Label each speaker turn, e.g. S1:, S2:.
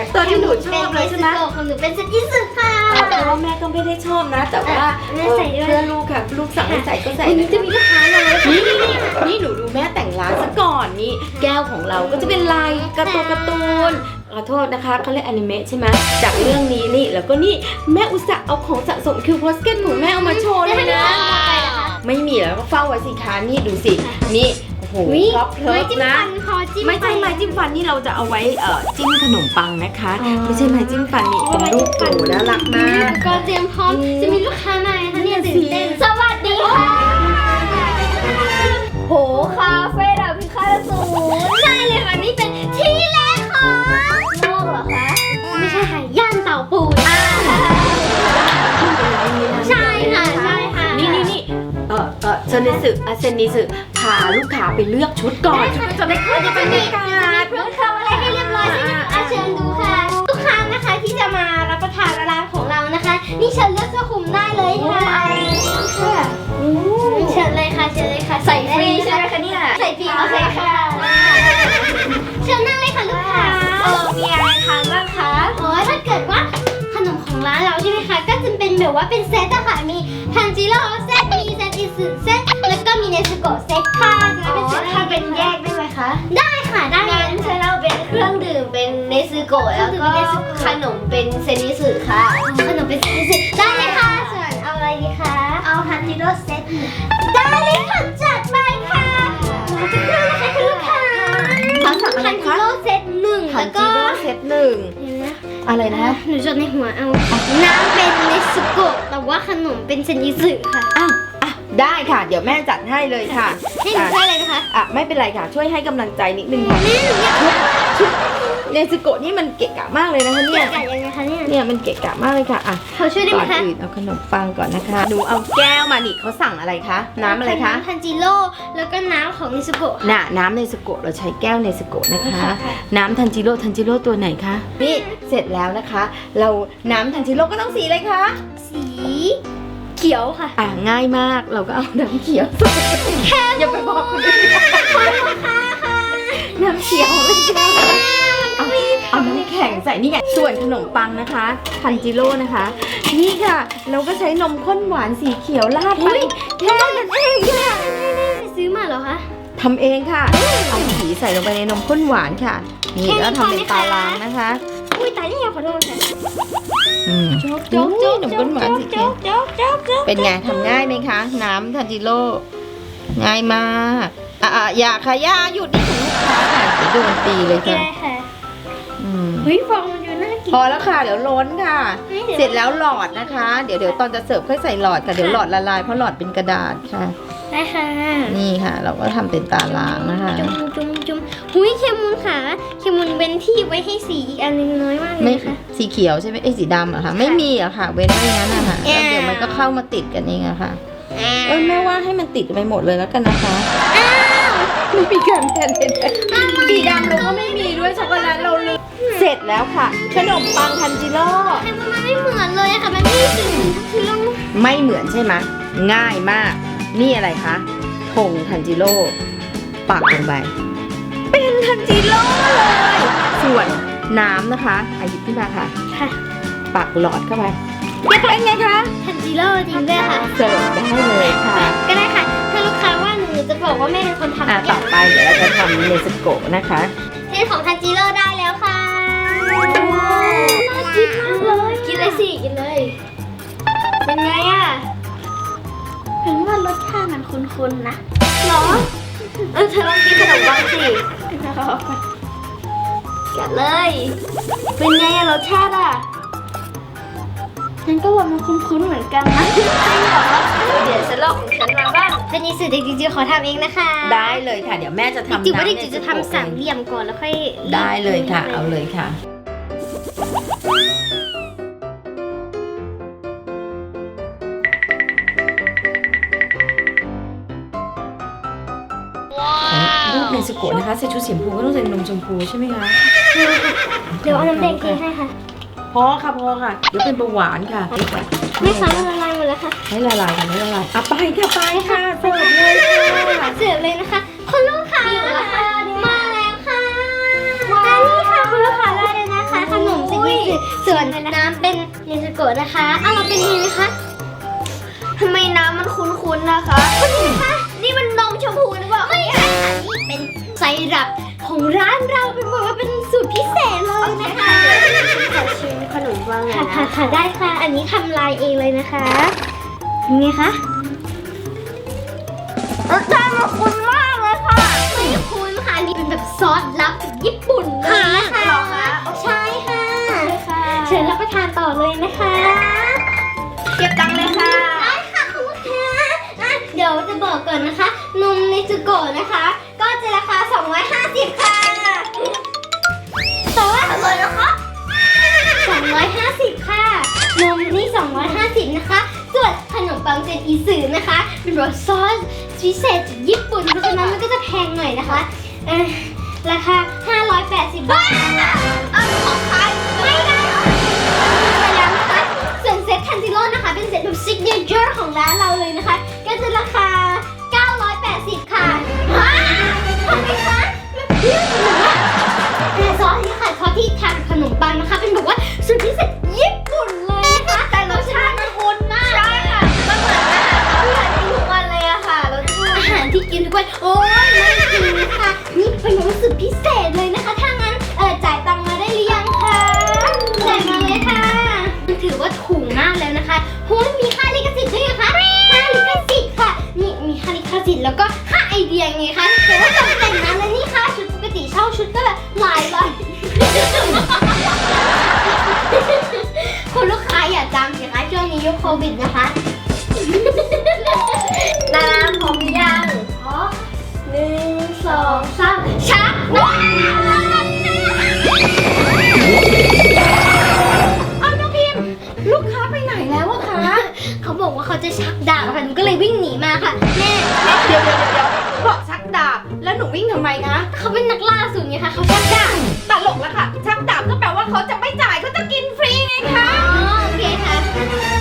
S1: ตัวที่หนูชอบเลยใช่ไหม
S2: ของหนูเป็นเซนอิสึค่ะ
S1: แต่ว่าแม่ก็ไม่ได้ชอบนะแต่ว่าเพื่อลูกค่ะลูกสั่งให้ใส่ก็ใส่
S2: วันนี้จะมีลูกค้ามาแล้ว
S1: นี่หนูดูแม่แต่งร้านซะก่อนนี่แก้วของเราก็จะเป็นลายการ์ตูนขอโทษนะคะเขาเรียกอนิเมะใช่ไหมจากเรื่องนี้นี่แล้วก็นี่แม่อุตส่าห์เอาของสะสมคิวโพสเกตของแม่เอามาโชว์เลยนะ ไม่มีแล้วก็เฝ้าไว้สิคะนี่ดูสินี่โอ้โหครอบเทิร์ฟนะไม่ใช่ไม้จิ้มฟันนี่เราจะเอาไว้จิ้มขนมปังนะคะไม่ใช่ไม้จิ้มฟันนี่เป็นรูปโอ้น่ารักมาก
S2: ก็เตรียมพร้อมจะมีลูกค้ามาค่ะเนี่ยตื่นเต้นสวัสดีค่ะโหคาเฟ่ดาพิฆาตศูนย์ใช่เลยค่ะนี่เป็นที่แรกของโลกเหรอคะไม่ใช่ค่ะย่านเต่าปูนใช่ค่ะใช่ค่ะ
S1: นี่เซนนิสึพาลูกค้าไปเลือกชุดก่อนจะได้เข้าบรรยากาศ
S2: เพิ่มคำอะไรให้เรียบร้อยใช่ไหมคะเชิญดูค่ะลูกค้านะคะที่จะมารับประทานร้านของเรานะคะนี่เชิญเลือกเสื้อคลุมได้เลยค่ะค่ะเชิญเลยค่ะเชิญเลยค่ะใส่ฟรีใช่ไหมคะเนี่ยใส่ฟรีโอเคค่ะเชิญนั่งเลยค่ะลูกค้ามีอะไรทานบ้างคะถ้าเกิดว่าขนมของร้านเราใช่ไหมคะก็จะเป็นแบบว่าเป็นเซตอะค่ะมีทันจิโร่เซตมีเซตอิสึเซตแล้วก็มีเนสโกะเซตค่ะจะเป็นเซตถ้าเป็นแยกได้ไหมคะได้ค่ะได้งั้นเชิญเราเป็นเครื่องดื่มเป็นเนสโกะแล้วก็ขนมเป็นเซนิสึค่ะขนมเป็นเซนิสึได้เลยค่ะส่วนเอาอะไรดีคะเอาทันจิโร่เซตได้เลยค่ะจัดไปค่ะจะเครื่องนะคะคุณลูกค้าทันจิโร่เซตหนึ่งแล้วก็
S1: เซตหนึ่งอะไรนะ
S2: หนูจดในหัวเอาน้ำเป็นเนสโกะแต่ว่าขนมเป็นเซนิสึค่ะ
S1: ได้ค่ะเดี๋ยวแม่จัดให้เลยค่ะ
S2: ให้หนูช่วยเลยนะคะ
S1: ไม่เป็นไรค่ะช่วยให้กำลังใจนิดนึงค่ะเนสโกะนี่มันเกะกะมากเลยนะคะเนี่ย
S2: เกะกะยังไงคะ
S1: เนี่ยมันเกะกะมากเลยค่ะ
S2: เขาช่วยได้ไหมคะ
S1: ก่อนอื่นเอาขนมปังก่อนนะคะหนูเอาแก้วมานี่เขาสั่งอะไรคะน้ำอะไรคะ
S2: น้ำทันจิโร่แล้วก็น้ำของเนสโกะ
S1: น้ำเนสโกะเราใช้แก้วเนสโกะนะคะน้ำทันจิโร่ตัวไหนคะนี่เสร็จแล้วนะคะเราน้ำทันจิโร่ก็ต้องสีอะไรคะ
S2: สีเขียวค่ะ
S1: ง่ายมากเราก็เอาน้ำเขียวอย่าไปบอกคนอื่นน้ำเขียวเลยค่ะเอาน้ำแข็งใส่นี่ไงส่วนขนมปังนะคะทันจิโร่นะคะนี่ค่ะเราก็ใช้นมข้นหวานสีเขียวราดไป
S2: แค่นั้นเองค่ะซื้อมาเหรอคะ
S1: ทำเองค่ะเอาสีใส่ลงไปในนมข้นหวานค่ะนี่แล้วทำเป็นตารางนะคะ
S2: อุ้ยตายนี่ขอโทษค่ะ
S1: โจ๊กนมข้นหวานสีเขียวเป็นไงทำง่ายไหมคะน้ำทันจิโร่ง่ายมากอย่าค่ะย่าหยุดนี่ถึงลูกค้าค่ะจะโดนตีเลยค่ะ
S2: เฮ้ยฟองมันอยู่น่ากิน
S1: พอแล้วค่ะเดี๋ยวล้นค่ะเสร็จแล้วหลอดนะคะเดี๋ยวตอนจะเสิร์ฟค่อยใส่หลอดค่ะเดี๋ยวหลอดละลายเพราะหลอดเป็นกระดาษค่ะ
S2: ได้ค่ะ
S1: นี่ค่ะเราก็ทำเป็นตารางนะคะ
S2: จุ่มหุยเคมูนค่ะเคมูนเว้นที่ไว้ให้สีอีกอันนึงน้อยมากเลยค่ะ
S1: สีเขียวใช่ไหมสีดำเหรอคะไม่มีอะค่ะเว้นไว้งั้นนะคะแล้วเดี๋ยวมันก็เข้ามาติดกันเองอะค่ะแม่ว่าให้มันติดไปหมดเลยแล้วกันนะคะไม่มีการแทนสีดำเราก็ไม่มีด้วยช็อกโกแลตเราลืมเสร็จแล้วค่ะขนมปังทันจิโร่
S2: มันไม่เหมือนเลยค่ะมันไม่ถึง
S1: ไม่เหมือนใช่ไหมง่ายมากนี่อะไรคะธงทันจิโร่ปักลงไปเป็นทันจิโร่เลยส่วนน้ำนะคะหยิบขึ้นมาค่ะปักหลอดเข้าไปเป็นไงคะ
S2: ทันจิโร่จริงด้วยค่ะ
S1: เสิร์ฟได้เลยค่ะ
S2: ก็ได้ค่ะถ้าลูกค้าว่าหนูจะบอกว่าแม่เป็นคนทำ
S1: ต่อไปเดี๋ยวเราจะทำเนสโกะนะคะ
S2: เส้นของทันจิโร่ได้แล้วค่ะน่ากินมากเลยกินเลยสิกินเลยเป็นไงอะเห็นว่ารสชาติมันคุ้นๆนะหรอเธอลองกินขนมปังสิกัดเลยเป็นไงอะรสชาติอะฉันก็ว่ามันคุ้นๆเหมือนกันนะเดี๋ยวฉันลองของฉันมาบ้างเป็นนิสิตเด็กจริงๆขอทำเองนะคะ
S1: ได้เลยค่ะเดี๋ยวแม่จะทำ
S2: จริงๆว่าเด็กจะทำสามเหลี่ยมก่อนแล้วค่อย
S1: ได้เลยค่ะเอาเลยค่ะรูปเนสโกะนะคะใส่ชุดสีชมพูก็ต้องใส่นมชมพูใช่ไหมคะ
S2: เดี๋ยวเอาน้ำแดงเทให้ค่ะ
S1: พอค่ะเดี๋ยวเป็นเบาหวานค่ะ
S2: ไม่ค่ะละลายหมดแล้วค่ะ
S1: ให้ละลายกันให้ละลายไปค่ะเสิร์ฟเลย
S2: ค่ะเสิร์ฟเลยนะคะคุณลูกค้ามาแล้วค่ะนี่ค่ะคุณลูกค้าได้เลยนะคะขนมส่วนน้ำเป็นเนสโกะนะคะเราเป็นยังไงคะทำไมน้ำมันคุ้นๆนะคะคุณคะนี่มันนมชมพูหรือเปล่าไม่ค่ะนี่เป็นไซรัปของร้านเราเป็นบอกว่าเป็นสูตรพิเศษเลยนะคะขอชิมขนมปังหน่อยนะค่ะได้ค่ะอันนี้ทำลายเองเลยนะคะยังไงคะรสชาติมันคุ้นมากเลยค่ะไม่คุ้นค่ะนี่เป็นแบบซอสลับจากญี่ปุ่นเลยนะคะหรอคะใช่ค่ะเชิญรับประทานต่อเลยนะคะเก็บตังค์เลยค่ะได้ค่ะคุณลูกค้าเดี๋ยวจะบอกก่อนนะคะนมเนจูโกะนะคะ ก็จะราคา250ค่ะแต่ว่าอะไรนะคะ250ค่ะนมนี่250นะคะส่วนขนมปังเจนอีสือนะคะเป็นแบบซอสพิเศษจากญี่ปุ่นเพราะฉะนั้นมันก็จะแพงหน่อยนะคะราคา580 บาทของใครไม่ได้ไปแล้วนะคะส่วนเซ็ตทันจิโร่นะคะเป็นเซ็ตแบบซิกเนเจอร์ของร้านเราเลยนะคะก็จะราคา980ค่ะทำไมคะแต่ซอสนี่ค่ะซอสที่ทานขนมปังนะคะเป็นแบบว่าสูตรพิเศษญี่ปุ่นเลยนะคะแต่รสชาติมันคุ้นมากใช่ค่ะมันเหมือนอาหารที่ทุกวันเลยอะค่ะรสอาหารที่กินทุกวันโอ้ยไม่จริงนะคะนี่เป็นแบบสูตรพิเศษเลยนะคะถ้างั้นจ่ายตังค์มาได้หรือยังคะจ่ายมาเลยค่ะถือว่าถูกมากแล้วนะคะโอ้ยมีค่าลิขสิทธิ์ด้วยนะคะค่าลิขสิทธิ์ค่ะนี่มีค่าลิขสิทธิ์แล้วก็ค่าไอเดียไงคะแต่ว่าตกแต่งนั้นและนี่ค่ะชุดปกติเช่าชุดก็แบบหลายร้อยคุณลูกค้าอย่าจำสิคะช่วงนี้ยุคโควิดนะคะน้ำพร้อมหรือยังพร้อม1 2 3ชักเอาน้องพิมพ์ลูกค้าไปไหนแล้วอะคะเขาบอกว่าเขาจะชักดาบค่ะหนูก็เลยวิ่งหนีมาค่ะแม่
S1: เดี๋ยวบอกชักดาบแล้วหนูวิ่งทำไมคะ
S2: เขาเป็นนักล่าสุดไงคะเขาชักดาบ
S1: ตลกแล้วค่ะชักดาบก็แปลว่าเขาจะไม่จ่ายเขาจะกินฟรีไงคะ
S2: โอเคค่ะ